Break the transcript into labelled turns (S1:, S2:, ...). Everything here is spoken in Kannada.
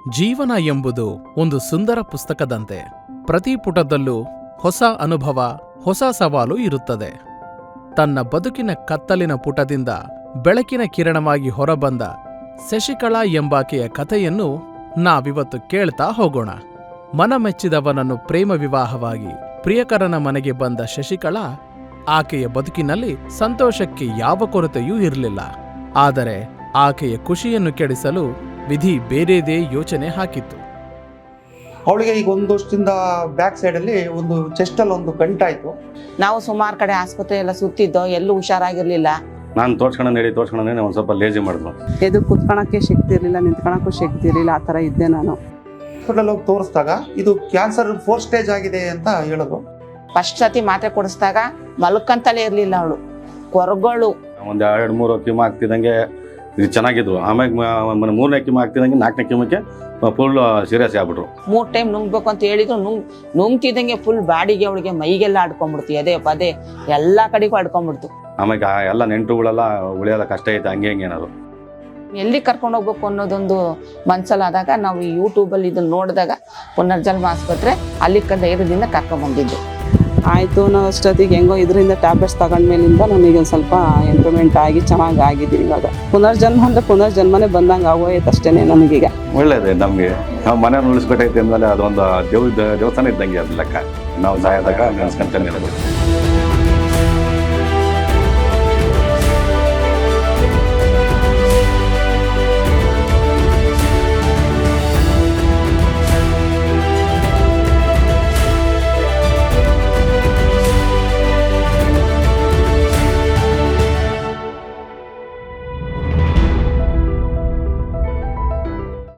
S1: ಜೀವನ ಎಂಬುದು ಒಂದು ಸುಂದರ ಪುಸ್ತಕದಂತೆ. ಪ್ರತಿ ಪುಟದಲ್ಲೂ ಹೊಸ ಅನುಭವ, ಹೊಸ ಸವಾಲು ಇರುತ್ತದೆ. ತನ್ನ ಬದುಕಿನ ಕತ್ತಲಿನ ಪುಟದಿಂದ ಬೆಳಕಿನ ಕಿರಣವಾಗಿ ಹೊರಬಂದ ಶಶಿಕಲಾ ಎಂಬಾಕೆಯ ಕಥೆಯನ್ನು ನಾವಿವತ್ತು ಕೇಳ್ತಾ ಹೋಗೋಣ. ಮನಮೆಚ್ಚಿದವನನ್ನು ಪ್ರೇಮ ವಿವಾಹವಾಗಿ ಪ್ರಿಯಕರನ ಮನೆಗೆ ಬಂದ ಶಶಿಕಲಾ, ಆಕೆಯ ಬದುಕಿನಲ್ಲಿ ಸಂತೋಷಕ್ಕೆ ಯಾವ ಕೊರತೆಯೂ ಇರಲಿಲ್ಲ. ಆದರೆ ಆಕೆಯ ಖುಷಿಯನ್ನು ಕೆಡಿಸಲು ವಿಧಿ ಬೇರೆದೇ ಯೋಚನೆ ಹಾಕಿತ್ತು.
S2: ಅವಳಿಗೆ ಈಗ ಒಂದು ವರ್ಷದಿಂದ ಬ್ಯಾಕ್ ಸೈಡಲ್ಲಿ ಒಂದು ಚೆಸ್ಟಲ್ಲಿ ಒಂದು ಗಂಟಾಯಿತು.
S3: ನಾವು ಸುಮಾರು ಕಡೆ ಆಸ್ಪತ್ರೆ ಎಲ್ಲ ಸುತ್ತಿದ್ದೋ, ಎಲ್ಲೂ ಹುಷಾರಾಗಿರ್ಲಿಲ್ಲ.
S4: ನಾನು ತೋರ್ಸ್ಕೊಂಡು ಒಂದು ಸ್ವಲ್ಪ ಲೇಜಿ ಮಾಡಿದ್ರು.
S5: ಎದು ಕುತ್ಕೊಳಕ್ಕೆ ಶಕ್ತಿ ಇರಲಿಲ್ಲ, ನಿಂತ್ಕೊಳಕ್ಕೂ ಶಕ್ತಿ ಇರಲಿಲ್ಲ, ಆ ಥರ ಇದ್ದೆ ನಾನು.
S2: ಹಾಸ್ಪಿಟಲ್ ಹೋಗಿ ತೋರಿಸಿದಾಗ ಇದು ಕ್ಯಾನ್ಸರ್ 4th ಸ್ಟೇಜ್ ಆಗಿದೆ ಅಂತ ಹೇಳಿದ್ರು.
S3: ಫಸ್ಟ್ ಸತಿ ಮಾತ್ರೆ ಕೊಡಿಸಿದಾಗ ಮಲ್ಕಂತಲೇ ಇರಲಿಲ್ಲ ಅವಳು, ಕೊರಗಳು.
S4: ಒಂದು 2-3 ಕಿಮೋ ಆಗ್ತಿದ್ದಂಗೆ ಇದು ಚೆನ್ನಾಗಿದ್ರು. ಆಮೇಲೆ 3ನೇ ಕಿಮೋ ಆಗ್ತಿದ್ದಂಗೆ 4ನೇ ಕಿಮೋಕ್ಕೆ ಫುಲ್ ಸೀರಿಯಸ್ ಆಗ್ಬಿಟ್ರು.
S3: 3 ಟೈಮ್ ನುಂಗ್ಬೇಕು ಅಂತ ಹೇಳಿದ್ರು. ನುಂಗ್ತಿದ್ದಂಗೆ ಫುಲ್ ಬಾಡಿಗೆ ಅವಳಿಗೆ ಮೈಗೆಲ್ಲ ಆಡ್ಕೊಂಡ್ಬಿಡ್ತು, ಎದೆ ಪದೇ ಎಲ್ಲ ಕಡೆಗೂ ಆಡ್ಕೊಂಡ್ಬಿಡ್ತು.
S4: ಆಮೇಲೆ ಎಲ್ಲ ನೆಂಟರುಗಳೆಲ್ಲ ಉಳಿಯೋದ ಕಷ್ಟ ಐತೆ, ಹಂಗೆ ಏನಾದ್ರು
S3: ಎಲ್ಲಿ ಕರ್ಕೊಂಡು ಹೋಗ್ಬೇಕು ಅನ್ನೋದೊಂದು ಮನ್ಸಲ್ಲಾದಾಗ ನಾವು ಈ ಯೂಟ್ಯೂಬಲ್ಲಿ ಇದನ್ನ ನೋಡಿದಾಗ ಪುನರ್ಜನ್ಮ ಆಸ್ಪತ್ರೆ ಅಲ್ಲಿ ಧೈರ್ಯದಿಂದ ಕರ್ಕೊಂಡ್ಬಂದಿದ್ದು.
S5: ಆಯಿತು ನಾವು ಅಷ್ಟೊತ್ತಿಗೆ ಹೆಂಗೋ ಇದರಿಂದ ಟ್ಯಾಬ್ಲೆಟ್ಸ್ ತಗೊಂಡ್ಮೇಲಿಂದ ನನಗೆ ಒಂದು ಸ್ವಲ್ಪ ಇಂಪ್ರೂವ್ಮೆಂಟ್ ಆಗಿ ಚೆನ್ನಾಗಿ ಆಗಿದ್ದೀನಿ. ಇವಾಗ ಪುನರ್ಜನ್ಮ ಅಂದರೆ ಪುನರ್ಜನ್ಮನೇ ಬಂದಂಗೆ ಆಗೋಯ್ತು ಅಷ್ಟೇ ನನಗೀಗ.
S4: ಒಳ್ಳೇದೇ ನಮಗೆ. ನಾವು ಮನೆಯನ್ನು ಉಳಿಸ್ಬೇಕೈತೆ ಅಂದಮೇಲೆ ಅದೊಂದು ದೇವಸ್ಥಾನ ಇದ್ದಂಗೆ ಅದು ಲೆಕ್ಕ. ನಾವು ಸಾಯೋದಾಗ ನೆನೆಸ್ಕೊಂತಾನೆ ಇರೋದು.